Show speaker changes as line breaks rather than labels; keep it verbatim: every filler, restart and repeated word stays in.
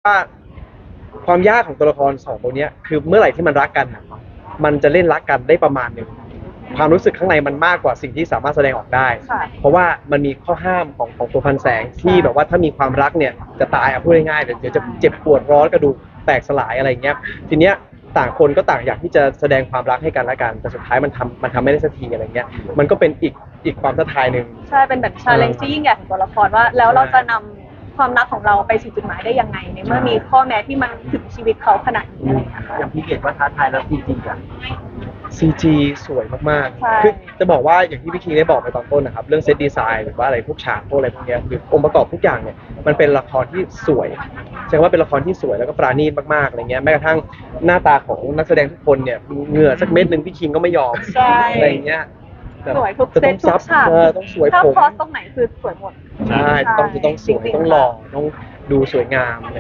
ว่าความยากของตัวละครสองตัวเนี้ยคือเมื่อไหร่ที่มันรักกันน่ะมันจะเล่นรักกันได้ประมาณหนึ่งความรู้สึกข้างในมันมากกว่าสิ่งที่สามารถแสดงออกได้
ค่ะ
เพราะว่ามันมีข้อห้ามของของตัวพันแสงที่แบบว่าถ้ามีความรักเนี่ยจะตายอ่ะพูดง่ายๆเดี๋ยวเดี๋ยวจะเจ็บปวดร้อนกระดูกแตกสลายอะไรเงี้ยทีเนี้ยต่างคนก็ต่างอยากที่จะแสดงความรักให้กันและกันแต่สุดท้ายมันทำมันทำไม่ได้สักทีอะไรเงี้ยมันก็เป็นอีกอีกความท้าทายหนึ่ง
ใช่เป็นแบบชาเลนจ์ที่ยิ่งใหญ่ของตัวละครว่า แล้วเราจะนำความรักของเราไปสู่จุดหมายได้ยังไงในเมื่อมีข้อแม้ที่มันถึงชีวิตเขาขนาดนี้อะไรอย่างเงี้ยค่ะ
อย่างพี่เกดว่าท้าทายแล้วจริงๆอ่ะ
ซี จี สวยมาก
ใช่
ๆ คือจะบอกว่าอย่างที่พี่คิงได้บอกไปตอนต้นนะครับเรื่องเซตดีไซน์หรือว่าอะไรพวกฉากพวกอะไรพวกเนี้ยคือองค์ประกอบทุกอย่างเนี่ยมันเป็นละครที่สวยแสดงว่าเป็นละครที่สวยแล้วก็ปราณีตมากๆอะไรเงี้ยแม้กระทั่งหน้าตาของนักแสดงทุกคนเนี่ยเหงื่อสักเม็ดหนึ่งพี่คิงก็ไม่ยอม
ใช่
อะไรอย่างเงี้ยแบบ
สวยทุก
จะ
เซ
ต้
ต
อง
ทุ
ซั
กฉาก
เออต้องสวย
ถ้า
ผม
คอสตรงไหนคือสวยหมด
ใช่ต้องจะต้องสวย
จริงๆ
ต้องหล่อต้องดูสวยงาม